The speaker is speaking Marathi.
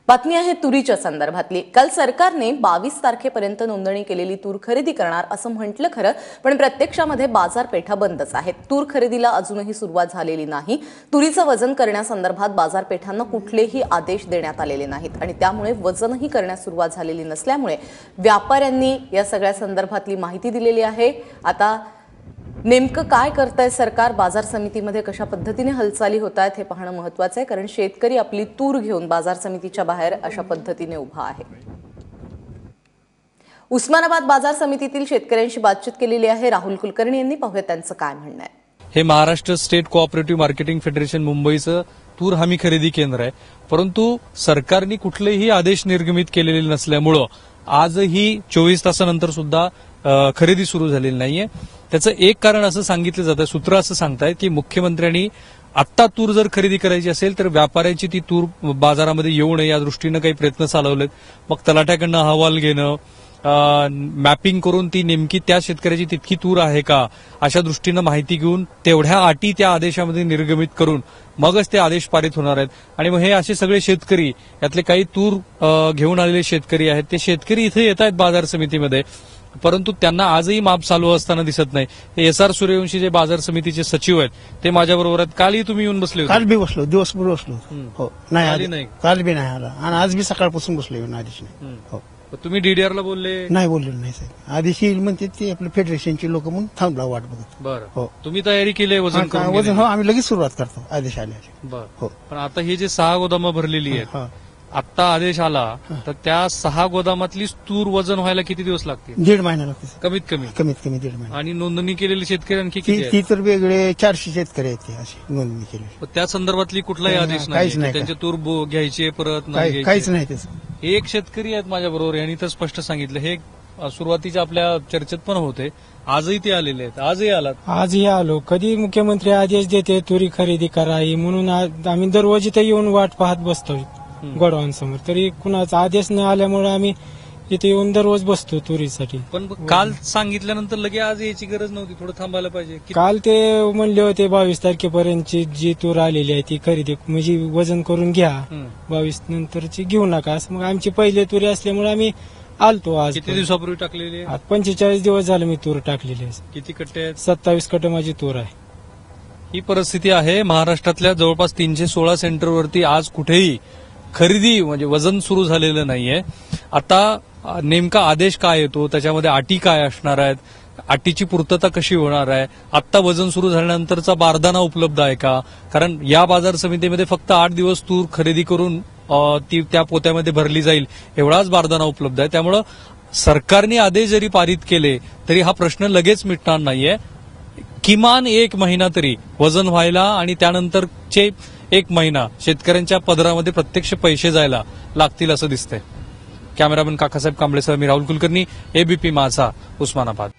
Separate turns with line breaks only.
बातमी आहे तुरीच्या संदर्भातली। काल सरकारने 22 तारखेपर्यंत नोंदणी केलेली तूर खरेदी करणार असं म्हटलं खरं, पण प्रत्यक्षामध्ये बाजारपेठा बंदच आहेत। तूर खरेदीला अजूनही सुरुवात झालेली नाही। तुरीचं वजन करण्यासंदर्भात बाजारपेठांना कुठलेही आदेश देण्यात आलेले नाहीत आणि त्यामुळे वजनही करण्यास सुरुवात झालेली नसल्यामुळे व्यापाऱ्यांनी या सगळ्या संदर्भातली माहिती दिलेली आहे। आता नेमकं काय करतंय सरकार, बाजार समितीमध्ये कशा पद्धतीने हालचाली होत आहेत हे पाहणं महत्त्वाचं आहे, कारण शेतकरी आपली तूर घेऊन बाजार समितीच्या बाहेर अशा पद्धतीने उभा आहे। उस्मानाबाद बाजार समितीतील शेतकऱ्यांशी बातचीत केलेली आहे राहुल कुलकर्णी यांनी। पाहूया त्यांचं काय म्हणणं आहे।
हे Maharashtra state cooperative marketing federation मुंबईचं तूर हमी खरेदी केंद्र आहे, परंतु सरकारने कुठलेही आदेश निर्गमित केलेले नसल्यामुळे आजही 24 तासानंतर सुद्धा खरेदी सुरू झालेली नाहीये। त्याचं एक कारण असं सांगितलं जातं, सूत्र असं सांगतायत की मुख्यमंत्र्यांनी आत्ता तूर जर खरेदी करायची असेल तर व्यापाऱ्यांची ती तूर बाजारामध्ये येऊ नये या दृष्टीनं काही प्रयत्न चालवलेत। मग तलाठ्याकडनं अहवाल घेणं, मॅपिंग करून ती नेमकी त्या शेतकऱ्याची तितकी तूर आहे का अशा दृष्टीनं माहिती घेऊन तेवढ्या अटी त्या आदेशामध्ये निर्गमित करून मगच ते आदेश पारित होणार आहेत। आणि मग हे असे सगळे शेतकरी, यातले काही तूर घेऊन आलेले शेतकरी आहेत, ते शेतकरी इथे येत आहेत बाजार समितीमध्ये, परंतु त्यांना आजही माप चालू असताना दिसत नाही। हे SR सूर्यवंशी जे बाजार समितीचे सचिव आहेत ते माझ्याबरोबर आहेत। कालही तुम्ही येऊन बसले होते?
काल बी बसलो, दिवसभर बसलो। हो, नाही काल बी नाही आला आणि आज बी सकाळपासून बसलो येऊन आदेश नाही। हो,
तुम्ही DDRला बोलले?
नाही बोललो नाही साहेब, आदेश येईल म्हणते ते आपल्या फेडरेशनचे लोक म्हणून थांबला वाट बघत।
बरं,
हो,
तुम्ही तयारी केली वजन करून?
वजन हो, आम्ही लगेच सुरुवात करतो आदेश आल्याची।
बरं,
हो,
पण आता हे जे 6 गोदामं भरलेली आहेत, आता आदेश आला तर त्या 6 गोदामातली तूर वजन व्हायला किती दिवस लागतील?
1.5 महिना लागते
कमीत कमी
1.5 महिना।
आणि नोंदणी केलेली शेतकरी आणखी किती आहेत?
ती तर वेगळे 400 शेतकरी आहेत ते अशी नोंदणी केली।
त्या संदर्भातली कुठलाही आदेश
काहीच नाही,
त्यांचे तूर घ्यायचे परत
काहीच नाही त्याचं।
एक शेतकरी आहेत माझ्याबरोबर, यांनी तर स्पष्ट सांगितलं, हे सुरुवातीच्या आपल्या चर्चेत पण होते, आजही ते आलेले आहेत। आजही आलात?
आजही आलो। कधी मुख्यमंत्री आदेश देते तुरी खरेदी करावी म्हणून आम्ही दररोज इथे येऊन वाट पाहत बसतो गोडाऊनसमोर, तरी कुणाचा आदेश न आल्यामुळे आम्ही इथे येऊन दररोज बसतो तुरीसाठी।
पण काल सांगितल्यानंतर लगे आज यायची गरज नव्हती, थोडं थांबायला पाहिजे।
काल ते म्हणले होते 22 तारखेपर्यंतची जी तूर आलेली आहे ती खरेदी म्हणजे वजन करून घ्या, 22 नंतरची घेऊ नका असं। मग आमची पहिली तुरी असल्यामुळे आम्ही आलतो। आज
किती दिवसापूर्वी टाकलेली?
45 दिवस झाले मी तूर टाकलेली आहे।
किती कट्टे आहेत?
27 कट्टे माझी तूर आहे।
ही परिस्थिती आहे महाराष्ट्रातल्या जवळपास 316 सेंटरवरती आज कुठेही खरेदी म्हणजे वजन सुरू झालेलं नाहीये। आता नेमका आदेश काय येतो, त्याच्यामध्ये अटी काय असणार आहेत, अटीची पूर्तता कशी होणार आहे, आत्ता वजन सुरू झाल्यानंतरचा बारदाना उपलब्ध आहे का? कारण या बाजार समितीमध्ये फक्त 8 दिवस तूर खरेदी करून ती त्या पोत्यामध्ये भरली जाईल एवढाच बारदाना उपलब्ध आहे। त्यामुळं सरकारने आदेश जरी पारित केले तरी हा प्रश्न लगेच मिटणार नाहीये। किमान 1 महिना तरी वजन व्हायला आणि त्यानंतरचे 1 महिना शेतकऱ्यांच्या पदरामध्ये प्रत्यक्ष पैसे जायला लागतील असं दिसतंय। कॅमेरामन काकासाहेब कांबळेसह मी राहुल कुलकर्णी, ABP माझा, उस्मानाबाद।